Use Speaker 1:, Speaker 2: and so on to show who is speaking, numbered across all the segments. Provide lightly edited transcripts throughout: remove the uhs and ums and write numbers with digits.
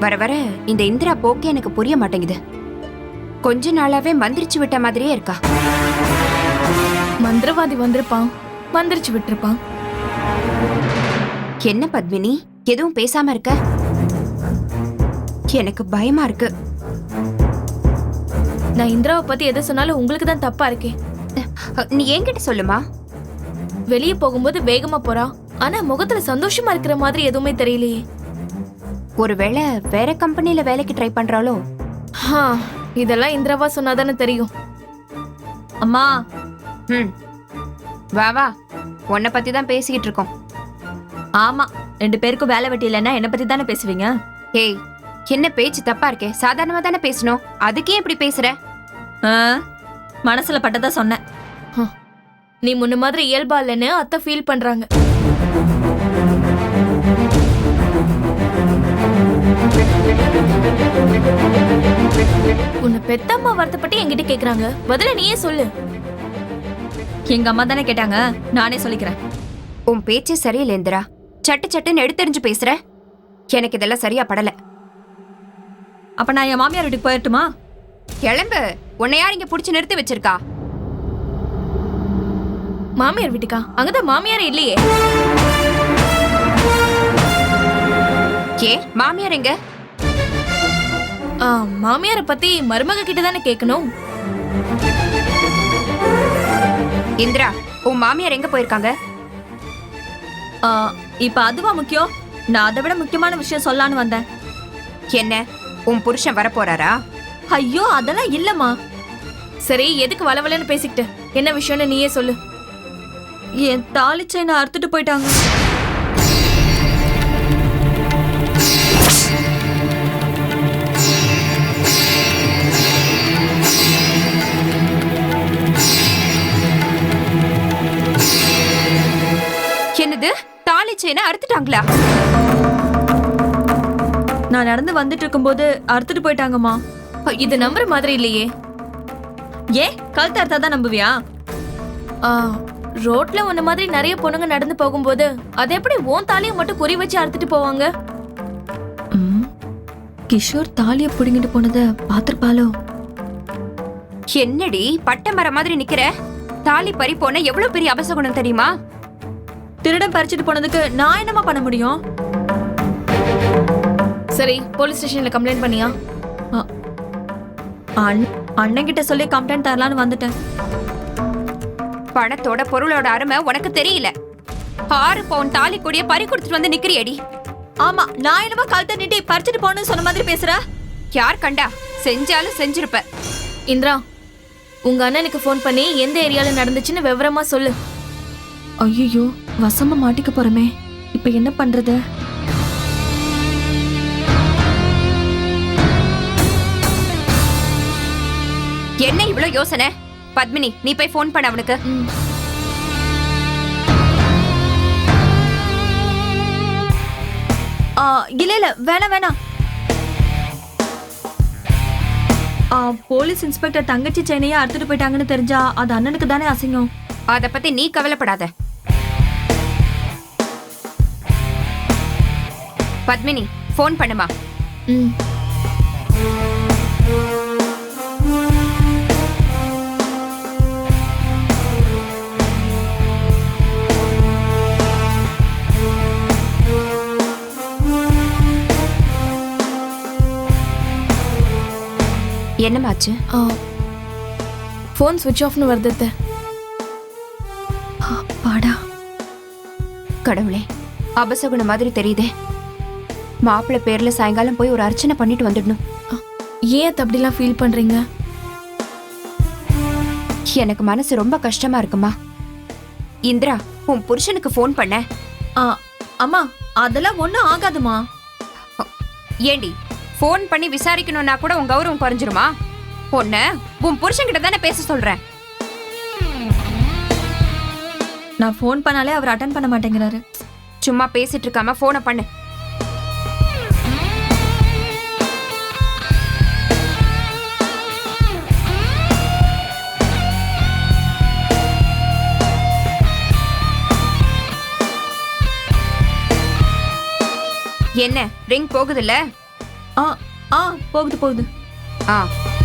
Speaker 1: வர வர இந்த இந்திரா போக்கே எனக்கு புரிய மாட்டேங்குது. கொஞ்ச நாளாவே மந்திரிச்சு விட்ட மாதிரியே இருக்கா.
Speaker 2: மந்திரவாதி வந்திருப்பான், மந்திரிச்சு விட்டுருப்பான்.
Speaker 1: என்ன பத்மினி எதுவும் பேசாம இருக்க? எனக்கு பயமா இருக்கு.
Speaker 2: நான் இந்திராவை பத்தி எதை சொன்னாலும் உங்களுக்கு தான் தப்பா இருக்கே.
Speaker 1: நீ என்கிட்ட சொல்லுமா.
Speaker 2: வெளியே போகும்போது வேகமா போறா, ஆனா முகத்துல சந்தோஷமா இருக்கிற மாதிரி எதுவுமே தெரியலையே.
Speaker 1: ஒருவேளை வேற கம்பெனில வேலைக்கு ட்ரை பண்றாளோ?
Speaker 2: இதெல்லாம் இந்திராவா சொன்னாதானே தெரியும்.
Speaker 3: அம்மா.
Speaker 1: வா வா, உன்னை பத்தி தான் பேசிக்கிட்டு இருக்கோம்.
Speaker 3: ஆமா, 2 பேருக்கும் வேலை வெட்டி இல்லைன்னா என்ன பத்தி தானே பேசுவீங்க.
Speaker 1: ஏய், என்ன பேச்சு தப்பா இருக்கே? சாதாரணமா தானே பேசணும், அதுக்கே இப்படி பேசுற?
Speaker 3: மனசுல பட்டதா சொன்னேன்.
Speaker 2: நீ முன்ன மாதிரி இயல்பா இல்லைன்னு அத்தை ஃபீல் பண்றாங்க. உன்னை பெத்தம்மா வருத்தப்பட்டு என்கிட்ட கேக்குறாங்க, பதில நீயே சொல்லு.
Speaker 3: எங்க அம்மா தானே கேட்டாங்க, நானே சொல்லிக்கிறேன்.
Speaker 1: உன் பேச்சே சரியில்லை இந்திரா. சட்டு சட்டுன்னு எடுத்தெறிஞ்சு பேசுற. எனக்கு இதெல்லாம் சரியா படல.
Speaker 3: அப்ப நான் என் மாமியார் வீட்டுக்கு போயிட்டுமா?
Speaker 1: கிளம்பு. உன்னை யார் இங்க புடிச்சு நிறுத்தி வச்சிருக்கா?
Speaker 2: மாமியார் வீட்டுக்கா? அங்கதான் மாமியாரே இல்லையே.
Speaker 1: ஏ, மாமியார் எங்க?
Speaker 2: மாமியார பத்தி மருமக கிட்ட தானே கேட்கணும்.
Speaker 1: இந்திரா, உன் மாமியார் எங்க போயிருக்காங்க?
Speaker 3: இப்ப அதுவா முக்கியம்? நான் அதை விட முக்கியமான விஷயம் சொல்லலான்னு வந்தேன்.
Speaker 1: என்ன, உன் புருஷன் வரப்போறாரா?
Speaker 3: ஐயோ, அதெல்லாம் இல்லம்மா.
Speaker 2: சரி, எதுக்கு வளவலன்னு பேசிக்கிட்டு? என்ன விஷயம்னு நீயே சொல்லு.
Speaker 3: என் தாலி செயினை அறுத்துட்டு போயிட்டாங்க.
Speaker 1: என்னது, தாலி செயினை அறுத்துட்டாங்களா?
Speaker 3: நான் நடந்து வந்துட்டு இருக்கும்போது அறுத்துட்டு போயிட்டாங்கம்மா.
Speaker 2: இது நம்புற மாதிரி இல்லையே.
Speaker 3: ஏன் கழுத்து அறுத்தாதான் நம்புவியா?
Speaker 2: ரோட்ல உன்ன மாதிரி நிறைய பொண்ணுங்க நடந்து போகும்போது அது எப்படி உன் தாலியை மட்டும் குறி வச்சு அறுத்துட்டு போவாங்க?
Speaker 3: கிஷோர் தாலிய புடுங்கிட்டு போனதை பாத்திருப்பாளோ?
Speaker 1: என்னடி பட்ட மரம் மாதிரி நிக்கிற? தாலி பறி போன எவ்வளவு பெரிய அபசகுணம் தெரியுமா?
Speaker 3: திருடன் பறிச்சுட்டு போனதுக்கு நான் என்னமா பண்ண முடியும்?
Speaker 2: சரி, போலீஸ் ஸ்டேஷன்ல கம்ப்ளைண்ட் பண்ணியா?
Speaker 3: அண்ணன் கிட்ட சொல்லி கம்ப்ளைண்ட் தரலான்னு வந்துட்டேன்.
Speaker 1: பணத்தோட பொருளோட அருமை உனக்கு தெரியல. 6 பவுன் தாலி கொடிய பறி கொடுத்துட்டு வந்து நிக்கிறியடி.
Speaker 3: ஆமா, நான் என்னமோ கழுத்தை நீட்டி பறிச்சுட்டு போன்னு சொன்ன மாதிரி பேசுற.
Speaker 1: யார் கண்டா? செஞ்சாலும் செஞ்சிருப்ப.
Speaker 2: இந்திரா, உங்க அண்ணனுக்கு போன் பண்ணி எந்த ஏரியால நடந்துச்சுன்னு விவரமா சொல்லு.
Speaker 3: ஐயோ, வசமா மாட்டிக்க போறமே. இப்ப என்ன பண்றது?
Speaker 1: என்ன இவ்ளோ யோசனை? பத்மினி, நீ போய் போன் பண்ண அவனுக்கு.
Speaker 3: இல்ல வேணாம். போலீஸ் இன்ஸ்பெக்டர் தங்கச்சி செயினையா அறுத்துட்டு போயிட்டாங்கன்னு தெரிஞ்சா அது அண்ணனுக்கு தானே அசிங்கம்.
Speaker 1: அத பத்தி நீ கவலைப்படாத. பத்மினி, போன் பண்ணுமா. என்னமாச்சு?
Speaker 2: போன் ஸ்விட்ச் ஆஃப்னு வருது.
Speaker 3: பாடா
Speaker 1: கடவுளே, அபசகுண மாதிரி தெரியுதே. மாப்பிள்ளை பேர்ல சாயங்காலம் போய் ஒரு அர்ச்சனை பண்ணிட்டு வந்துடணும்.
Speaker 2: ஏன் அப்படிலாம் ஃபீல் பண்றீங்க?
Speaker 1: எனக்கு மனசு ரொம்ப கஷ்டமா இருக்குமா. இந்திரா, உன் புருஷனுக்கு போன் பண்ண.
Speaker 3: அம்மா, அதெல்லாம் ஒண்ணும் ஆகாதுமா.
Speaker 1: ஏண்டி, போன் பண்ணி விசாரிக்கணும்னா கூட உன் கௌரவம் குறைஞ்சிருமா? பொண்ண உன் புருஷன்கிட்ட தானே பேச சொல்றேன்.
Speaker 3: நான் போன் பண்ணாலே அவர் அட்டெண்ட் பண்ண மாட்டேங்கிறாரு.
Speaker 1: சும்மா பேசிட்டு இருக்காம போனை பண்ணு. என்ன ரிங் போகுதுல்ல?
Speaker 3: ஆ ஆ போகுது போகுது.
Speaker 1: ஆ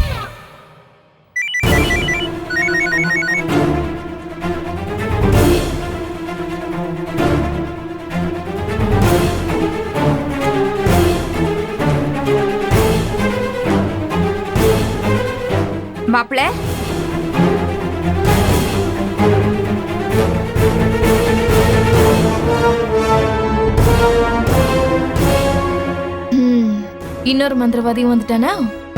Speaker 1: மாப்பிள்ள,
Speaker 2: இன்னொரு மந்திரவாதியும் வந்துட்டானா?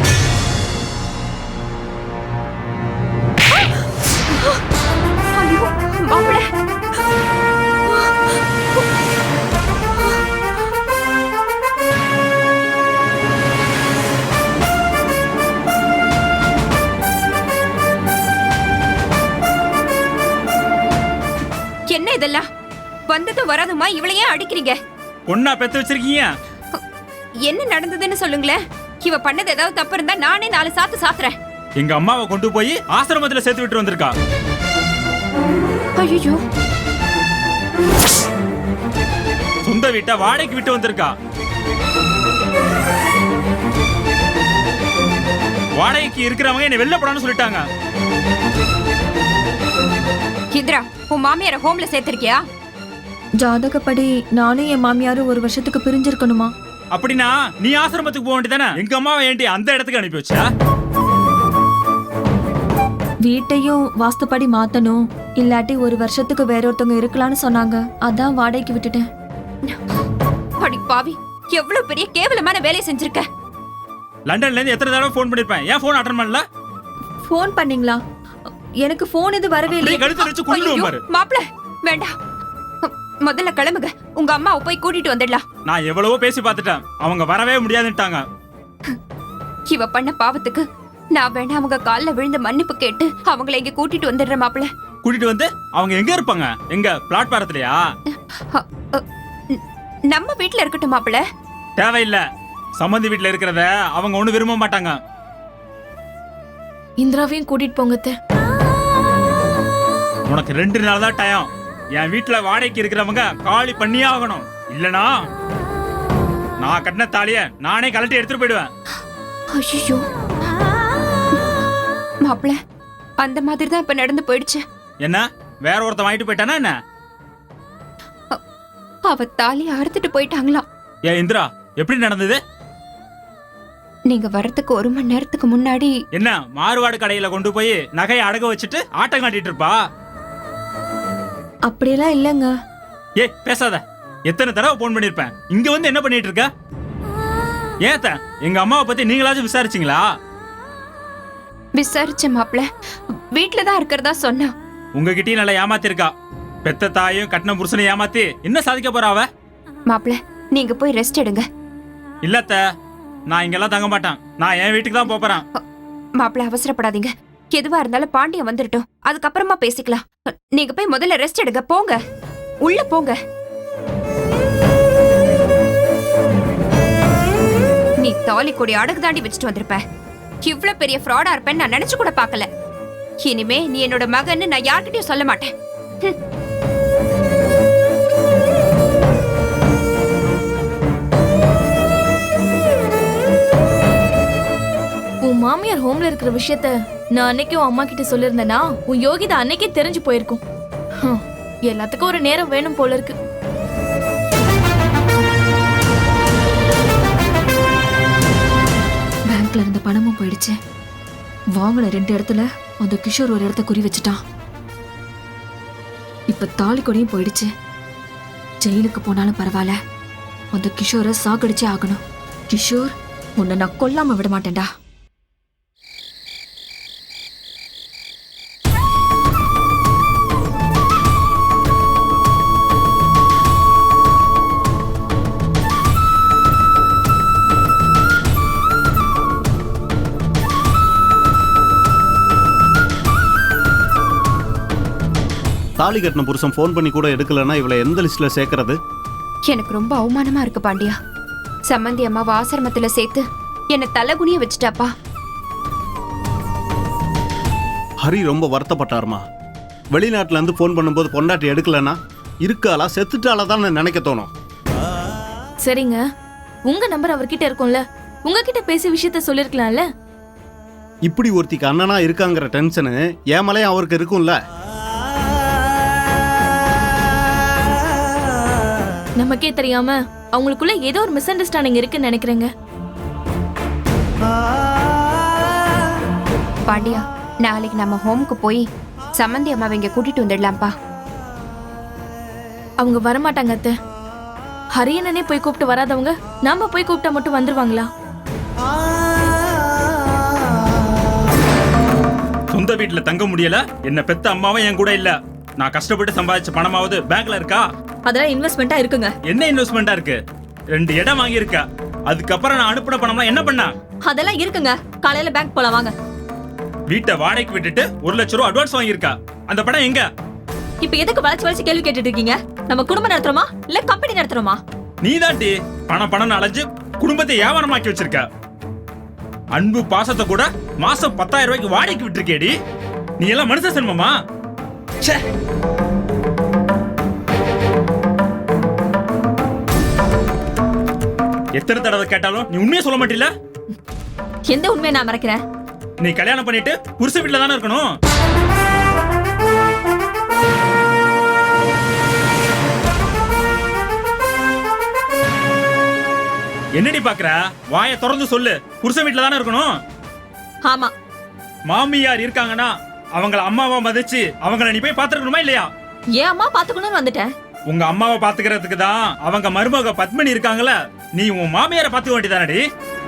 Speaker 1: ஐயோ மாப்பிள்ள, என்ன இதெல்லாம்? வந்ததும் வராதுமா இவளையே அடிக்கிறீங்க?
Speaker 4: பொண்ணா பெத்து வச்சிருக்கீங்க.
Speaker 1: என்ன நடந்ததுன்னு சொல்லுங்களேன். இவ பண்ணது ஏதாவது தப்பு இருந்தா நானே 4 சாத்து சாத்துறேன்.
Speaker 4: எங்க அம்மாவை கொண்டு போய் ஆசிரமத்துல சேர்த்து விட்டு வந்திருக்கா.
Speaker 1: ஐயோ,
Speaker 4: சொந்த வீட்டை வாடகைக்கு விட்டு வந்திருக்கா. வாடகைக்கு இருக்கிறவங்க என்ன வெளில போடான்னு சொல்லிட்டாங்க.
Speaker 1: இந்திரா, உன் மாமியார ஹோம்ல சேர்த்திருக்கியா?
Speaker 3: ஜாதகப்படி நானும் என் மாமியாரும் 1 வருஷத்துக்கு பிரிஞ்சிருக்கணுமா?
Speaker 4: அப்படின்னா நீ ஆசிரமத்துக்கு போக வேண்டியதானே? எங்க அம்மாவை ஏன்டி அந்த இடத்துக்கு அனுப்பி வச்சா?
Speaker 3: வீட்டையும் வாஸ்துப்படி மாத்தணும், இல்லாட்டி 1 வருஷத்துக்கு வேற ஒருத்தவங்க இருக்கலாம்னு சொன்னாங்க. அதான் வாடகைக்கு விட்டுட்டேன்.
Speaker 1: அடி பாவி, எவ்வளவு பெரிய கேவலமான வேலையை செஞ்சிருக்க.
Speaker 4: லண்டன்ல இருந்து எத்தனை தடவை ஃபோன் பண்ணிருப்பேன். ஏன் ஃபோன் அட்டெண்ட் பண்ணல?
Speaker 3: ஃபோன் பண்ணீங்களா? எனக்கு ஃபோன் இது வரவே
Speaker 4: அப்படியே
Speaker 3: இல்லை.
Speaker 4: கழுத்து வச்சு கொல்லுவேன் பாரு.
Speaker 1: மாப்பிள்ள வேண்டாம், முதல்ல கிளம்புங்க. உங்க அம்மாவை போய் கூட்டிட்டு வந்துடலாம்.
Speaker 4: நான் எவ்வளவோ பேசி பார்த்துட்டேன், அவங்க வரவே முடியாதுன்ட்டாங்க.
Speaker 1: இவ பண்ண பாவத்துக்கு நான் வேணா அவங்க கால்ல விழுந்து மன்னிப்பு கேட்டு அவங்கள இங்க கூட்டிட்டு வந்துடுறேன் மாப்பிள்ள.
Speaker 4: கூட்டிட்டு வந்து அவங்க எங்க இருப்பாங்க? எங்க பிளாட்பாரத்திலயா?
Speaker 1: நம்ம வீட்ல இருக்கட்டும் மாப்பிள்ள.
Speaker 4: தேவையில்லை. சம்மந்தி வீட்டுல இருக்கிறத அவங்க ஒண்ணு விரும்ப மாட்டாங்க.
Speaker 2: இந்திராவையும் கூட்டிட்டு போங்க அத்தை.
Speaker 4: உனக்கு 2 நாள் தான் டைம். என் வீட்டுல வாடகைக்கு இருக்கிறவங்க காலி பண்ணியே ஆகணும். இல்லனா நான் கட்டின தாலிய நானே கழட்டி எடுத்துட்டு போயிடுவேன்.
Speaker 1: ஐயோ மாப்பிள்ள, அந்த மாதிரி தான் இப்ப நடந்து போயிடுச்சு.
Speaker 4: என்ன வேற ஒருத்தன் வாங்கிட்டு போயிட்டானா என்ன?
Speaker 1: அவ தாலி அறுத்துட்டு போயிட்டாங்களாம்.
Speaker 4: ஏன் இந்திரா, எப்படி நடந்தது?
Speaker 1: நீங்க வர்றதுக்கு 1 மணி நேரத்துக்கு முன்னாடி
Speaker 4: என்ன மாறுவாடு கடையில கொண்டு போய் நகையை அடக வச்சுட்டு ஆட்டம் காட்டிட்டு இருப்பா?
Speaker 3: அப்படியெல்லாம் இல்லைங்க.
Speaker 4: ஏ பேசாத. எத்தனை தடவை போன் பண்ணிருப்பேன். இங்க வந்து என்ன பண்ணிட்டு இருக்க? ஏத்த எங்க அம்மாவை பத்தி நீங்களாச்சும் விசாரிச்சீங்களா?
Speaker 1: விசாரிச்ச மாப்பிள்ள, வீட்டுல தான் இருக்கிறதா சொன்னா.
Speaker 4: உங்ககிட்டயும் நல்லா ஏமாத்திருக்கா. பெத்த தாயும் கட்டின புருஷனை ஏமாத்தி என்ன சாதிக்க போறா அவ?
Speaker 1: மாப்பிள்ள, நீங்க போய் ரெஸ்ட் எடுங்க.
Speaker 4: இல்லத்த, நான் இங்கெல்லாம் தங்க மாட்டேன். நான் என் வீட்டுக்கு தான் போறேன்.
Speaker 1: மாப்பிள்ள அவசரப்படாதீங்க. எதுவா இருந்தாலும் பாண்டியன் வந்துட்டோம், அதுக்கப்புறமா பேசிக்கலாம். நீங்க போய் முதல்ல ரெஸ்ட் எடுங்க. போங்க, உள்ள போங்க. நீ தாலி கொடி அடகு தாண்டி வச்சுட்டு வந்திருப்ப. இவ்வளவு பெரிய ஃப்ராடா இருப்பேன்னு நான் நினைச்சு கூட பார்க்கல. இனிமே நீ என்னோட மகன்னு நான் யார்கிட்டயும் சொல்ல மாட்டேன்.
Speaker 2: உன் மாமியார் ஹோம்ல இருக்கிற விஷயத்த நான் அன்னைக்கு உன் அம்மா கிட்ட சொல்லிருந்தேனா உன் யோகிதா அன்னைக்கே தெரிஞ்சு போயிருக்கும். எல்லாத்துக்கும் ஒரு நேரம் வேணும் போல இருக்கு.
Speaker 3: பேங்க்ல இருந்த பணமும் போயிடுச்சு. வாங்கின 2 இடத்துல அந்த கிஷோர் ஒரு இடத்த குறி வச்சுட்டான். இப்ப தாலி கொடியும் போயிடுச்சு. ஜெயிலுக்கு போனாலும் பரவாயில்ல, அந்த கிஷோரை சாகடிச்சே ஆகணும். கிஷோர், உன்னை நான் கொல்லாம விட மாட்டேன்டா.
Speaker 5: தாலி கட்டின புருஷன் ஃபோன் பண்ணி கூட எடுக்கலன்னா இவளை எந்த லிஸ்ட்ல சேர்க்கறது?
Speaker 1: எனக்கு ரொம்ப அவமானமா இருக்கு பாண்டியா. சம்மந்தி அம்மாவை ஆசிரமத்துல சேர்த்து என்ன தலைகுனிய வச்சுட்டாப்பா.
Speaker 5: ஹரி ரொம்ப வருத்தப்பட்டாருமா. வெளிநாட்டுல இருந்து ஃபோன் பண்ணும்போது பொண்டாட்டி எடுக்கலன்னா இருக்காளா செத்துட்டாளா தான் நினைக்க தோணும்.
Speaker 2: சரிங்க, உங்க நம்பர் அவர்கிட்ட இருக்கும்ல, உங்ககிட்ட பேசி விஷயத்த சொல்லிருக்கலாம்ல.
Speaker 5: இப்படி ஒருத்திக்கு அண்ணனா இருக்காங்கிற டென்ஷனு ஏமலையும் அவருக்கு இருக்கும்ல.
Speaker 2: நமக்கே தெரியாம அவங்களுக்குள்ள ஏதோ ஒரு மிஸ் அண்டர்ஸ்டாண்டிங் இருக்குன்னு நினைக்கிறேங்க.
Speaker 1: பாண்டியா, நாளைக்கு நம்ம ஹோமுக்கு போய் சம்மந்தி அம்மாவை இங்க கூட்டிட்டு வந்துடலாம்ப்பா.
Speaker 2: அவங்க வரமாட்டாங்க அத்தை. ஹரியனனே போய் கூப்பிட்டு வராதவங்க நாம போய் கூப்பிட்டா மட்டும் வந்துருவாங்களா?
Speaker 4: சொந்த வீட்டுல தங்க முடியல, என்ன பெத்த அம்மாவும் என் கூட இல்ல. நான் கஷ்டப்பட்டு சம்பாதிச்ச பணமாவது பேங்க்ல இருக்கா?
Speaker 3: அதெல்லாம் இன்வெஸ்ட்மெண்டா இருக்குங்க.
Speaker 4: என்ன இன்வெஸ்ட்மெண்டா இருக்கு? 2 இடம் வாங்கி இருக்க. அதுக்கப்புறம் நான் அனுப்புன பணம்லாம் என்ன பண்ண?
Speaker 3: அதெல்லாம் இருக்குங்க. காலையில பேங்க் போலாம் வாங்க.
Speaker 4: வீட்டை வாடகைக்கு விட்டுட்டு 1 லட்சம் ரூபாய் அட்வான்ஸ் வாங்கியிருக்கா. அந்த பணம் எங்க?
Speaker 3: இப்ப எதுக்கு வளைச்சு வளைச்சு கேள்வி கேட்டுட்டு இருக்கீங்க? நம்ம குடும்பம் நடத்துறோமா இல்ல கம்பெனி நடத்துறோமா?
Speaker 4: நீதாண்டி பணம் அலைஞ்சு குடும்பத்தை வியாபாரமாக்கி வச்சிருக்க. அன்பு பாசத்தை கூட மாசம் 10,000 ரூபாய்க்கு வாடகைக்கு விட்டுருக்கேடி. நீ எல்லாம் மனுஷ செல்வமா? ச்சே. எத்தனை தடவை கேட்டாலும் நீ உண்மையை சொல்ல மாட்டில?
Speaker 3: எந்த உண்மையை நான் மறைக்கிறேன்?
Speaker 4: நீ கல்யாணம் பண்ணிட்டு புருஷ வீட்டுல தானே இருக்கணும். என்னடி பாக்குற? வாயை திறந்து சொல்லு. புருஷ வீட்டுல தானே இருக்கணும்.
Speaker 3: ஆமா.
Speaker 4: மாமியார் இருக்காங்கன்னா அவங்கள அம்மாவா மதிச்சு அவங்கள நீ போய் பாத்துக்கணுமா இல்லையா?
Speaker 3: ஏன் அம்மா பாத்துக்கணும்னு வந்துட்டேன்.
Speaker 4: உங்க அம்மாவை பாத்துக்கிறதுக்கு தான் அவங்க மருமக பத்மினி இருக்காங்கல்ல. நீ உன் மாமியாரை பாத்துக்க வேண்டியதானடி?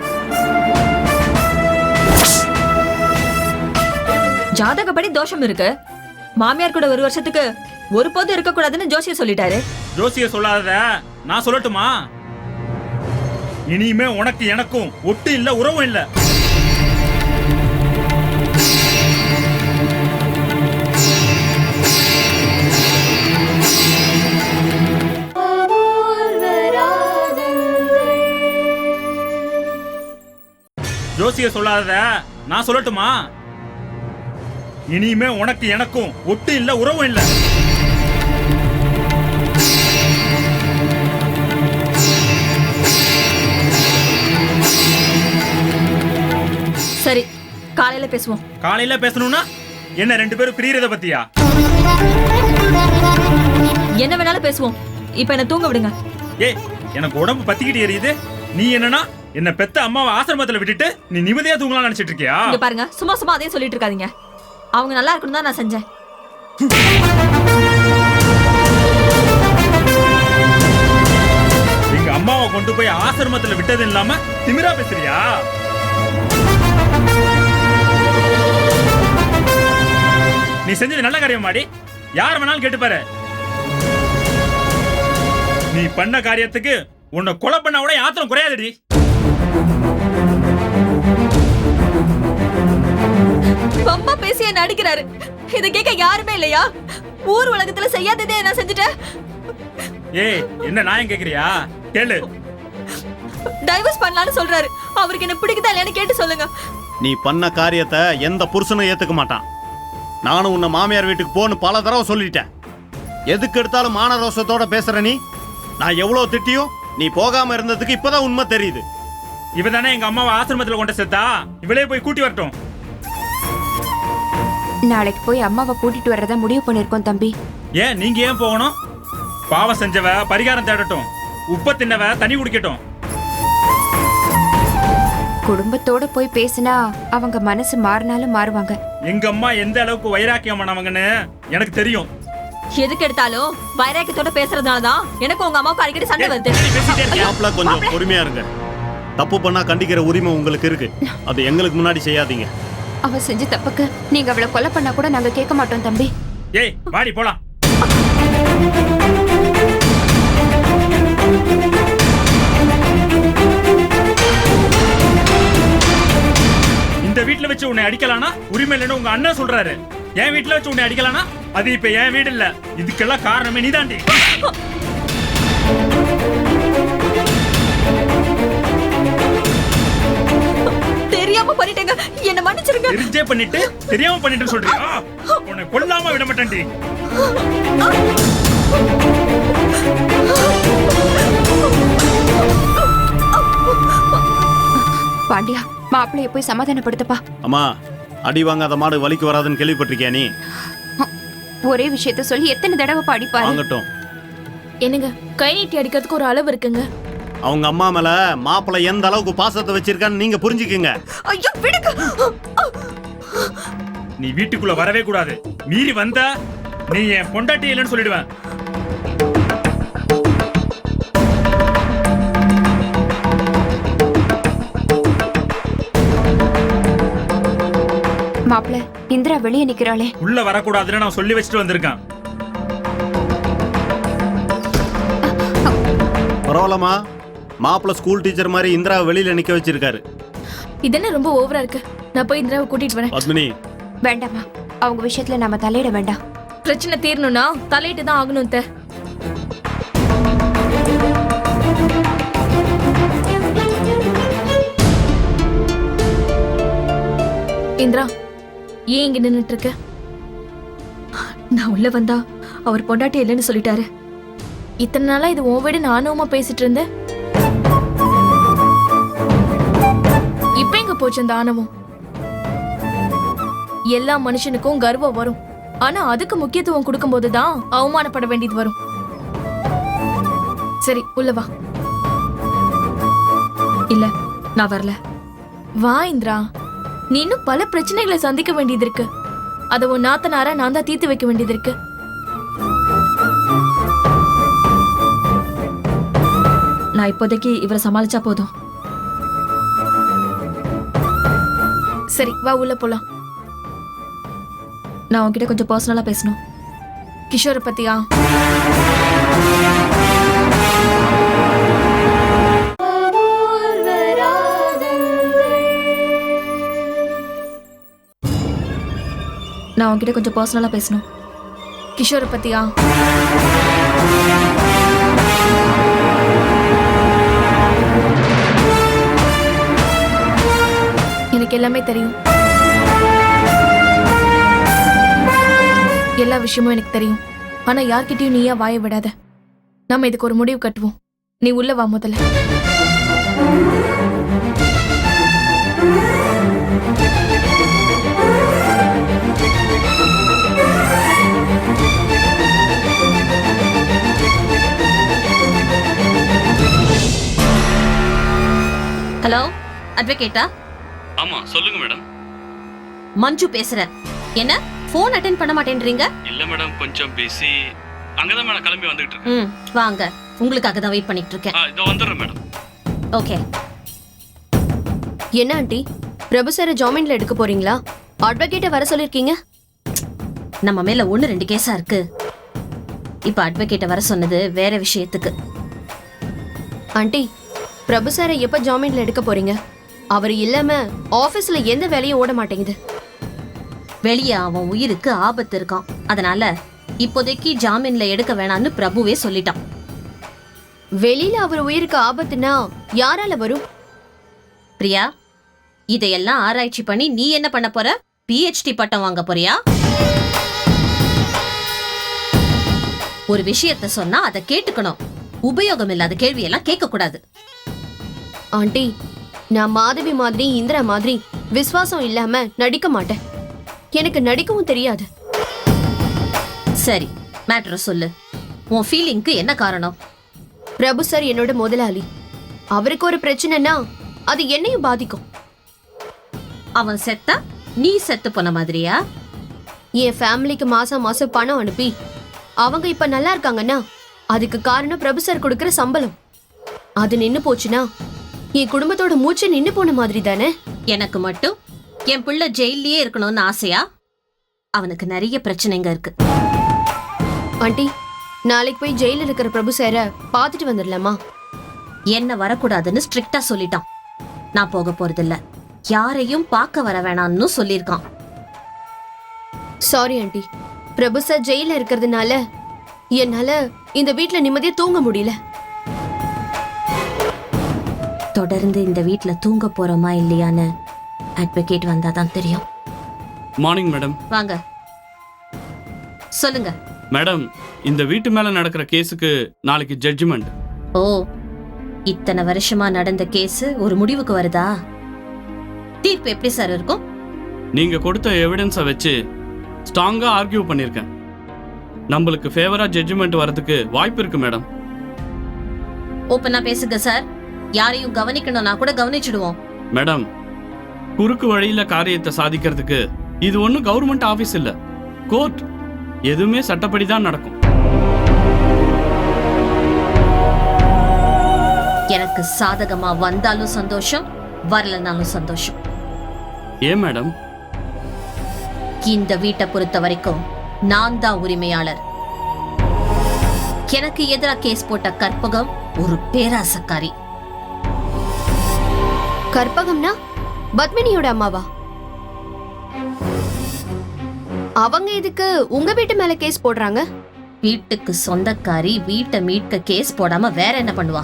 Speaker 3: ஜாதகப்படி தோஷம் இருக்கு. மாமியார் கூட 1 வருஷத்துக்கு ஒரு போது இருக்க கூடாதுன்னு ஜோசியர் சொல்லிட்டாரு.
Speaker 4: ஜோசியர் சொல்லாதத நான் சொல்லட்டுமா? இனிமே உனக்கு எனக்கும் ஒட்டு இல்ல, உறவும் இல்ல. ஜோசியர் சொல்லாதத நான் சொல்லட்டுமா? இனிமே உனக்கு எனக்கும் ஒட்டு இல்ல, உறவும் இல்ல.
Speaker 3: சரி, காலையில பேசுவோம்.
Speaker 4: காலையில பேசணும்னா என்ன 2 பேரும் பிரியறத பத்தியா?
Speaker 3: என்ன வேணாலும் பேசுவோம். இப்ப என்ன தூங்க விடுங்க.
Speaker 4: ஏய், எனக்கு உடம்பு பத்திக்கிட்டு எரியுது. நீ என்னன்னா என்ன பெத்த அம்மாவை ஆசிரமத்துல விட்டுட்டு நீ நிம்மதியா தூங்கலாம் நினைச்சிட்டு இருக்கியா?
Speaker 3: இங்க பாருங்க, சும்மா சும்மா அதே சொல்லிட்டு இருக்காதீங்க. அவங்க நல்லா இருக்கணும் தான் நான் செஞ்சேன்.
Speaker 4: எங்க அம்மாவை கொண்டு போய் ஆசிரமத்துல விட்டது இல்லாம திமிரா பேசுறியா? நீ செஞ்சது நல்ல காரியம் மாடி. யார் வேணாலும் கேட்டு பாரு. நீ பண்ண காரியத்துக்கு உன்னை கொலை பண்ண கூட யாத்திரம் குறையாதடி.
Speaker 3: ரொம்ப பேசி என்ன அடிக்கிறாரு. இத கேட்க யாருமே இல்லையா? ஊர் உலகத்துல செய்யாததே நான் செஞ்சுட்டேன்.
Speaker 4: ஏய், என்ன நியாயம் கேக்குறியா? கேளு.
Speaker 3: டைவர்ஸ் பண்ணலாம்னு சொல்றாரு. அவருக்கு என்ன பிடிக்குதா இல்லையான்னு கேட்டு சொல்லுங்க.
Speaker 5: நீ பண்ண காரியத்தை எந்த புருஷனும் ஏத்துக்க மாட்டான். நானும் உன்னை மாமியார் வீட்டுக்கு போன்னு பல தடவை சொல்லிட்டேன். எதுக்கு எடுத்தாலும் மான ரோசத்தோட பேசுற நீ. நான் எவ்வளவு திட்டியும் நீ போகாம இருந்ததுக்கு இப்பதான் உண்மை தெரியுது.
Speaker 4: இவதானே எங்க அம்மாவை ஆசிரமத்துல கொண்டு சேர்த்தா. இவளே போய் கூட்டி வரட்டும்.
Speaker 1: நாளைக்கு போய் அம்மாவை கூட்டிட்டு வர்றதா முடிவு பண்ணிருக்கோம் தம்பி.
Speaker 4: ஏன் நீங்க ஏன் போகணும்? பாவம் செஞ்சவ பரிகாரம் தேடட்டும். உப்ப தின்னவ தண்ணி குடிக்கட்டும்.
Speaker 1: குடும்பத்தோட போய் பேசினா அவங்க மனசு மாறினாலும் மாறுவாங்க.
Speaker 4: எங்க அம்மா எந்த அளவுக்கு வைராக்கியமானவங்கன்னு எனக்கு தெரியும்.
Speaker 3: எதுக்கு எடுத்தாலும் வைராக்கியத்தோட பேசுறதுனாலதான் எனக்கு உங்க அம்மாவுக்கு அடிக்கடி சண்டை வருது.
Speaker 4: பேசிட்டே இருக்கியா?
Speaker 5: மாப்பிள்ள கொஞ்சம் பொறுமையா இருங்க. தப்பு பண்ணா கண்டிக்கிற உரிமை உங்களுக்கு இருக்கு. அது எங்களுக்கு முன்னாடி செய்யாதீங்க.
Speaker 1: அவ செஞ்ச தப்புக்கு நீங்க அவளை கொலை பண்ணா கூட நாங்க கேட்க மாட்டோம் தம்பி.
Speaker 4: ஏய், வாடி போலாம். இந்த வீட்டுல வச்சு உன்னை அடிக்கலானா உரிமை இல்லைன்னு உங்க அண்ணன் சொல்றாரு. என் வீட்டுல வச்சு உன்னை அடிக்கலானா அது இப்ப என் வீடு இல்ல. இதுக்கெல்லாம் காரணமே நீதாண்டி.
Speaker 3: தெரியாம பண்ணிட்டேங்க, என்ன மன்னிச்சிருங்க.
Speaker 4: தெரிஞ்சே பண்ணிட்டு தெரியாம பண்ணிட்டு சொல்றியா? உன்னை கொல்லாம விட மாட்டேன்டி.
Speaker 1: பாண்டியா, மாப்பிள்ளைய போய் சமாதானப்படுத்தப்பா.
Speaker 5: அம்மா, அடி வாங்காத மாடு வலிக்கு வராதுன்னு கேள்விப்பட்டிருக்கியா நீ?
Speaker 1: ஒரே விஷயத்த சொல்லி எத்தனை தடவை பாடிப்பாரு.
Speaker 5: வாங்கட்டும்.
Speaker 2: என்னங்க, கை நீட்டி அடிக்கிறதுக்கு ஒரு அளவு இருக்குங்க.
Speaker 5: அவங்க அம்மா மேல மாப்பிள்ளை எந்த அளவுக்கு பாசத்தை வச்சிருக்கான்னு நீங்க புரிஞ்சுக்குங்க.
Speaker 1: ஐயோ விடுங்க.
Speaker 4: நீ வீட்டுக்குள்ள வரவே கூடாது. மீறி வந்தா நீ என் பொண்டாட்டி இல்லைன்னு சொல்லிடுவேன்.
Speaker 1: மாப்பிள்ள, இந்திரா வெளியே நிக்கிறாளே.
Speaker 4: உள்ள வரக்கூடாதுன்னு நான் சொல்லி வச்சுட்டு வந்திருக்கேன்.
Speaker 5: பரவாயில்லம்மா, மாப்பிள்ளை ஸ்கூல் டீச்சர் மாதிரி இந்திரா வெளியில நிக்க வச்சிருக்காரு.
Speaker 2: இதென்ன ரொம்ப ஓவரா இருக்கு. நான் போய் இந்திராவை கூட்டிட்டு வரேன்.
Speaker 5: பத்மினி,
Speaker 1: வேண்டாமா, அவங்க விஷயத்துல நாம தலையிட வேண்டாம்.
Speaker 2: பிரச்சனை தீரணும்னா தலையிட்டு தான் ஆகணும். இந்திரா, ஏன் இங்க நின்னுட்டு இருக்க?
Speaker 3: நான் உள்ள வந்தா அவர் பொண்டாட்டி இல்லைன்னு சொல்லிட்டாரு.
Speaker 2: இத்தனை நாளா இது உன் வீடு நானுமா பேசிட்டு இருந்தேன். இப்ப எங்க போச்சு அந்த ஆணவம்? எல்லா மனுஷனுக்கும் கர்வம் வரும். ஆனா அதுக்கு முக்கியத்துவம் கொடுக்கும் போதுதான் அவமானப்பட வேண்டியது வரும். சரி, உள்ள வா.
Speaker 3: இல்ல, நான் வரல.
Speaker 2: வா இந்திரா, நீ இன்னும் பல பிரச்சனைகளை சந்திக்க வேண்டியது இருக்கு. அதை உன் நாத்தனாரா நான் தான் தீர்த்து வைக்க வேண்டியது இருக்கு.
Speaker 3: நான் இப்போதைக்கு இவரை சமாளிச்சா போதும்.
Speaker 2: சரி, வா உள்ள போலாம்.
Speaker 3: நான் உன்கிட்ட கொஞ்சம் பர்சனலா பேசணும்.
Speaker 2: கிஷோரை பத்தியா?
Speaker 3: நான் உன்கிட்ட கொஞ்சம் பர்சனலா பேசணும்.
Speaker 2: கிஷோரை பத்தியா? எனக்கு எல்லாமே தெரியும். எல்லா விஷயமும் எனக்கு தெரியும். ஆனா யார்கிட்டயும் நீயா வாய விடாத. நம்ம இதுக்கு ஒரு முடிவு கட்டுவோம். நீ உள்ள வா முதல்ல.
Speaker 6: ஹலோ, அட்வொகேட்டா?
Speaker 7: ஆமா, சொல்லுங்க மேடம்.
Speaker 6: மஞ்சு பேசுறேன். என்ன ஃபோன் அட்டெண்ட் பண்ண மாட்டேன்றீங்க?
Speaker 7: இல்ல மேடம், கொஞ்சம் பிஸி. அங்கதான் மேடம் கிளம்பி வந்துட்டு இருக்கேன்.
Speaker 6: வாங்க, உங்களுக்காக தான் வெயிட் பண்ணிட்டு இருக்கேன்.
Speaker 7: இதோ வந்துடுறேன் மேடம்.
Speaker 6: ஓகே.
Speaker 8: என்ன ஆண்டி, பிரபு சாரை ஜாமீன்ல எடுக்க போறீங்களா? அட்வொகேட்டை வர சொல்லிருக்கீங்க.
Speaker 6: நம்ம மேல 1-2 கேஸா இருக்கு. இப்ப அட்வொகேட்டை வர சொன்னது வேற விஷயத்துக்கு.
Speaker 8: ஆண்டி, பிரபு சாரை எப்ப ஜாமீன்ல எடுக்க போறீங்க? அவர் இல்லாம ஆபீஸ்ல எந்த வேலையும் ஓட மாட்டேங்குது.
Speaker 6: வெளியே அவன் உயிருக்கு ஆபத்து இருக்கான். அதனால இப்போதைக்கு ஜாமீன்ல எடுக்க வேணாம்னு பிரபுவே சொல்லிட்டான்.
Speaker 8: வெளியில அவர் உயிருக்கு ஆபத்துனா யாரால வரும்?
Speaker 6: பிரியா, இதையெல்லாம் ஆராய்ச்சி பண்ணி நீ என்ன பண்ண போற? PhD பட்டம் வாங்க போறியா? ஒரு விஷயத்த சொன்னா அதை கேட்டுக்கணும். உபயோகம் இல்லாத கேள்வியெல்லாம் கேட்க கூடாது.
Speaker 8: ஆண்டி, நான் மாதவி மாதிரி இந்திரா மாதிரி விசுவாசம் இல்லாம நடிக்க மாட்டேன். எனக்கு நடிக்கவும் தெரியாது.
Speaker 6: சரி, மேட்டரை சொல்லு. உன் ஃபீலிங்க்கு என்ன காரணம்?
Speaker 8: பிரபு சார் என்னோட முதலாளி. அவருக்கு ஒரு பிரச்சனைனா அது என்னையும் பாதிக்கும்.
Speaker 6: அவன் செத்தா நீ செத்து போன மாதிரியா?
Speaker 8: என் ஃபேமிலிக்கு மாசம் மாசம் பணம் அனுப்பி அவங்க இப்ப நல்லா இருக்காங்கன்னா அதுக்கு காரணம் பிரபு சார் கொடுக்கிற சம்பளம். அது நின்னு போச்சுன்னா என் குடும்பத்தோட மூச்சு நின்னு போன மாதிரி தானே.
Speaker 6: எனக்கு மட்டும் என் பிள்ளை ஜெயிலே இருக்கணும்னு ஆசையா? அவனுக்கு நிறைய பிரச்சனைங்க இருக்கு.
Speaker 8: ஆண்டி, நாளைக்கு போய் ஜெயில இருக்கிற பிரபு சாரை பார்த்துட்டு வந்துடலாமா?
Speaker 6: என்ன வரக்கூடாதுன்னு ஸ்ட்ரிக்டா சொல்லிட்டான். நான் போக போறதில்ல. யாரையும் பார்க்க வர வேணாம்னு சொல்லியிருக்கான்.
Speaker 8: சாரி ஆண்டி, பிரபு சார் ஜெயில இருக்கிறதுனால என்னால இந்த வீட்ல நிம்மதியா தூங்க முடியல.
Speaker 6: தொடர்ந்து இந்த வீட்ல தூங்க போறோமா இல்லையான்னு அட்வொகேட் வந்தாதான் தெரியும்.
Speaker 7: Morning madam.
Speaker 6: வாங்க, சொல்லுங்க.
Speaker 7: மேடம், இந்த வீட்டு மேல நடக்கிற கேஸுக்கு நாளைக்கு ஜட்ஜ்மெண்ட்.
Speaker 6: ஓ, இத்தனை வருஷமா நடந்த கேஸ் ஒரு முடிவுக்கு வருதா? தீர்ப்பு எப்படி சார் இருக்கும்?
Speaker 7: நீங்க கொடுத்த எவிடன்ஸை வச்சு ஸ்ட்ராங்கா ஆர்கியூ பண்ணியிருக்கேன். நம்மளுக்கு ஃபேவரா ஜட்ஜ்மெண்ட் வரதுக்கு வாய்ப்பு இருக்கு மேடம்.
Speaker 6: ஓப்பனா பேசுங்க சார். யாரையும் கவனிக்கணும்னா கூட கவனிச்சிடுவோம்.
Speaker 7: மேடம், குறுக்கு வழியில காரியத்தை சாதிக்கிறதுக்கு இது ஒன்றும் கவர்மெண்ட் ஆபீஸ் இல்ல, கோர்ட். எதுவுமே சட்டப்படி தான் நடக்கும்.
Speaker 6: எனக்கு சாதகமா வந்தாலும் சந்தோஷம், வரலனாலும் சந்தோஷம்.
Speaker 7: ஏன் மேடம்?
Speaker 6: இந்த வீட்டை பொறுத்த வரைக்கும் நான் தான் உரிமையாளர். எனக்கு எதிரா கேஸ் போட்ட கற்பகம் ஒரு பேராசக்காரி.
Speaker 8: கற்பகம்னா பத்மினியோட அம்மாவா? அவங்க இதுக்கு உங்க வீட்டு மேல கேஸ் போடுறாங்க?
Speaker 6: வீட்டுக்கு சொந்தக்காரி வீட்டை மீட்க கேஸ் போடாம வேற என்ன பண்ணுவா?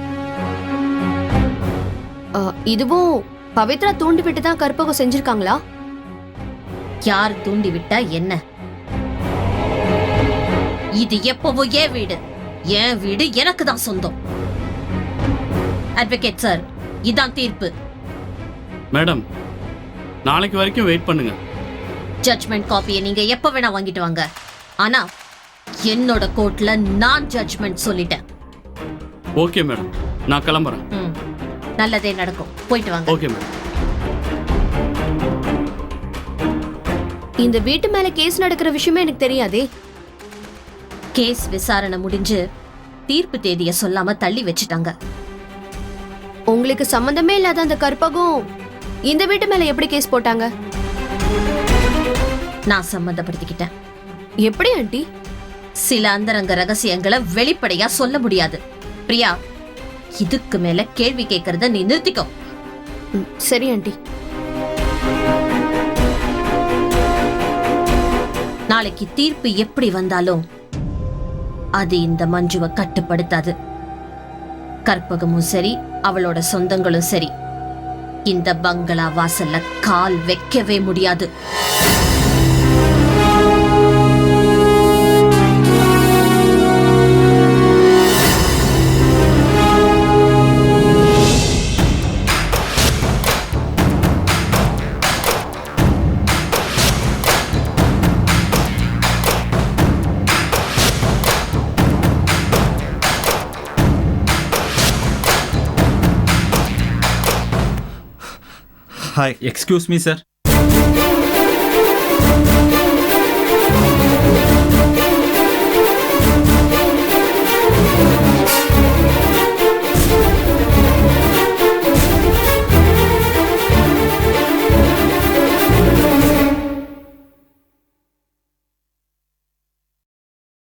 Speaker 8: இதுவும் பவித்ரா தூண்டி விட்டு தான் கற்பகம் செஞ்சிருக்காங்களா?
Speaker 6: யார் தூண்டி விட்டா என்ன? இது எப்பவோ என் வீடு. என் வீடு எனக்கு தான் சொந்தம். அட்வொகேட் சார், இதான் தீர்ப்பு.
Speaker 7: மேடம், நாளைக்கு வரைக்கும் வெயிட் பண்ணுங்க.
Speaker 6: ஜட்ஜ்மெண்ட் காப்பியை நீங்க எப்ப வேணா வாங்கிட்டு வாங்க. ஆனா என்னோட கோர்ட்ல நான் ஜட்ஜ்மெண்ட் சொல்லிட்டேன்.
Speaker 7: ஓகே மேடம், நான் கிளம்புறேன்.
Speaker 6: நல்லதே நடக்கும். போயிட்டு வாங்க.
Speaker 7: Okay madam.
Speaker 8: இந்த வீட்டு மேல கேஸ் நடக்கிற விஷயமே எனக்கு தெரியாதே.
Speaker 6: கேஸ் விசாரணை முடிஞ்சு தீர்ப்பு தேதியை சொல்லாம தள்ளி வச்சிட்டாங்க.
Speaker 8: உங்களுக்கு சம்பந்தமே இல்லாத அந்த கற்பகம் இந்த வீட்டு மேல எப்படி கேஸ் போட்டாங்க?
Speaker 6: நான் சம்மந்தப்படுத்திக்கிட்டேன்.
Speaker 8: எப்படி ஆண்டி?
Speaker 6: சில அந்தரங்க ரகசியங்களை வெளிப்படையா சொல்ல முடியாது. பிரியா, இதுக்கு மேல கேள்வி கேட்கறத நீ நிறுத்திக்கோ.
Speaker 8: சரி ஆண்டி.
Speaker 6: நாளைக்கு தீர்ப்பு எப்படி வந்தாலும் அது இந்த மஞ்சுவை கட்டுப்படுத்தாது. கற்பகமும் சரி, அவளோட சொந்தங்களும் சரி, இந்த பங்களா வாசல்ல கால் வைக்கவே முடியாது.
Speaker 9: ஹாய்.
Speaker 4: Excuse me sir.